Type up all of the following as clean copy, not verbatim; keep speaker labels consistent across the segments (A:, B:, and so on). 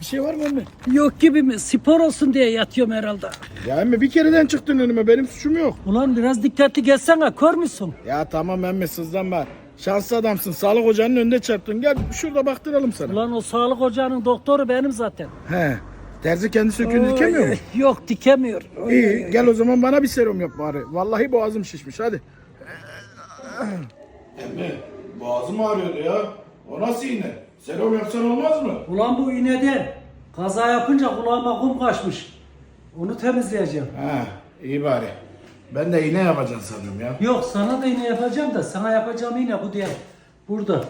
A: Bir şey var mı emmi?
B: Yok gibi mi? Spor olsun diye yatıyorum herhalde.
A: Ya emmi bir kereden çıktın önüme, benim suçum yok.
B: Ulan biraz dikkatli geçsene, kör müsün?
A: Ya tamam emmi, sızlanma. Şanslı adamsın, sağlık ocağının önünde çarptın. Gel şurada baktıralım sana.
B: Ulan o sağlık ocağının doktoru benim zaten.
A: He. Terzi kendi söküğünü dikemiyor mu?
B: Yok, dikemiyor.
A: İyi, gel o zaman bana bir serum yap bari. Vallahi boğazım şişmiş, hadi. Emmi, boğazım ağrıyordu ya. O nasıl iğne? Serum yapsan olmaz mı?
B: Ulan bu iğneden kaza yapınca kulağıma kum kaçmış. Onu temizleyeceğim.
A: Ha, iyi bari. Ben de iğne yapacaksın sanıyorum ya.
B: Yok, sana da iğne yapacağım da sana yapacağım iğne bu diye. Burada.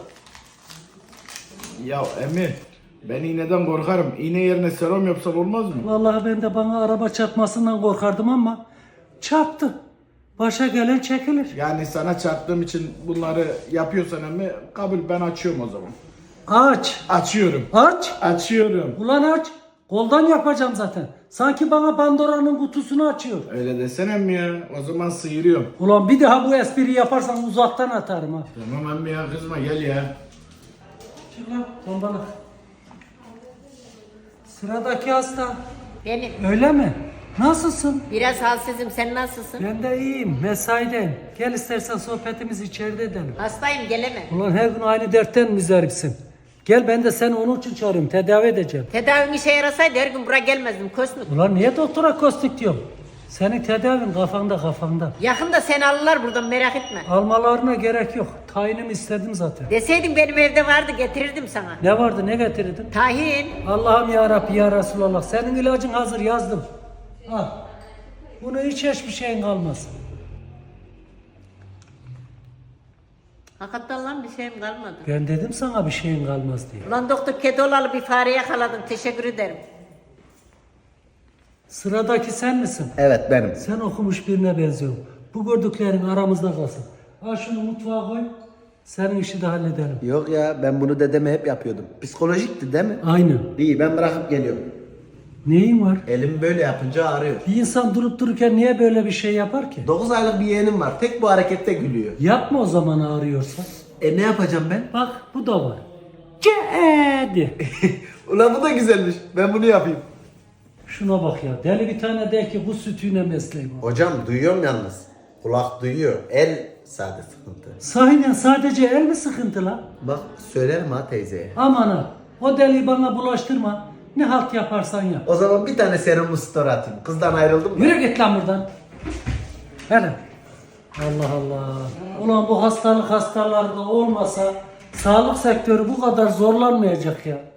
A: Ya emmi, ben iğneden korkarım. İğne yerine serum yapsan olmaz mı?
B: Vallahi ben de bana araba çarpmasından korkardım ama çarptı. Başa gelen çekilir.
A: Yani sana çarptığım için bunları yapıyorsan emmi, kabul, ben açıyorum o zaman.
B: Aç.
A: Açıyorum.
B: Aç.
A: Açıyorum.
B: Ulan aç. Koldan yapacağım zaten. Sanki bana Pandora'nın kutusunu açıyor.
A: Öyle desene emmi ya. O zaman sıyırıyorum.
B: Ulan bir daha bu espriyi yaparsan uzaktan atarım ha.
A: Tamam emmi ya, kızma, gel ya.
B: Çık lan tombalak. Sıradaki hasta.
C: Benim.
B: Öyle mi? Nasılsın?
C: Biraz halsizim. Sen nasılsın?
B: Ben de iyiyim. Mesaideyim. Gel istersen sohbetimizi içeride edelim.
C: Hastayım, gelemem.
B: Ulan her gün aynı dertten müzdaripsin. Gel, ben de seni onun için çağırıyorum. Tedavi edeceğim.
C: Tedavim işe yarasaydı her gün buraya gelmezdim. Kosmik.
B: Ulan niye doktora kostik diyorum? Senin tedavin kafanda.
C: Yakında seni alırlar buradan, merak etme.
B: Almalarına gerek yok. Tayinimi istedim zaten.
C: Deseydin benim evde vardı, getirirdim sana.
B: Ne vardı, ne getirdin?
C: Tahin.
B: Allah'ım ya Rabbi ya Resulallah. Senin ilacın hazır, yazdım. Al. Bunu hiç hiçbir şeyin kalmaz.
C: Hakikaten lan bir şeyim kalmadı.
B: Ben dedim sana bir şeyin kalmaz diye.
C: Ulan doktor, kedi olalı bir fare yakaladım. Teşekkür ederim.
B: Sıradaki sen misin?
D: Evet benim.
B: Sen okumuş birine benziyorsun. Bu gördüklerin aramızda kalsın. Al şunu mutfağa koy. Senin işi de halledelim.
D: Yok ya, ben bunu dedeme hep yapıyordum. Psikolojikti değil mi?
B: Aynen.
D: İyi, ben bırakıp geliyorum.
B: Neyin var?
D: Elim böyle yapınca ağrıyor.
B: Bir insan durup dururken niye böyle bir şey yapar ki?
D: 9 aylık bir yeğenim var. Tek bu harekette gülüyor.
B: Yapma o zaman ağrıyorsa.
D: Ne yapacağım ben?
B: Bak bu da var. Cedi.
D: Ulan bu da güzelmiş. Ben bunu yapayım.
B: Şuna bak ya. Deli bir tane de ki bu sütüne mesleğim var.
D: Hocam duyuyorum yalnız. Kulak duyuyor. El sade sıkıntı.
B: Sahiden sadece el mi sıkıntı lan?
D: Bak söylerim ha teyzeye.
B: Aman ha. O deliği bana bulaştırma. Ne halt yaparsan yap.
D: O zaman bir tane serum store atayım. Kızdan ayrıldım da.
B: Yürü git lan buradan. Hele. Allah Allah. Ulan bu hastalık hastalarda olmasa sağlık sektörü bu kadar zorlanmayacak ya.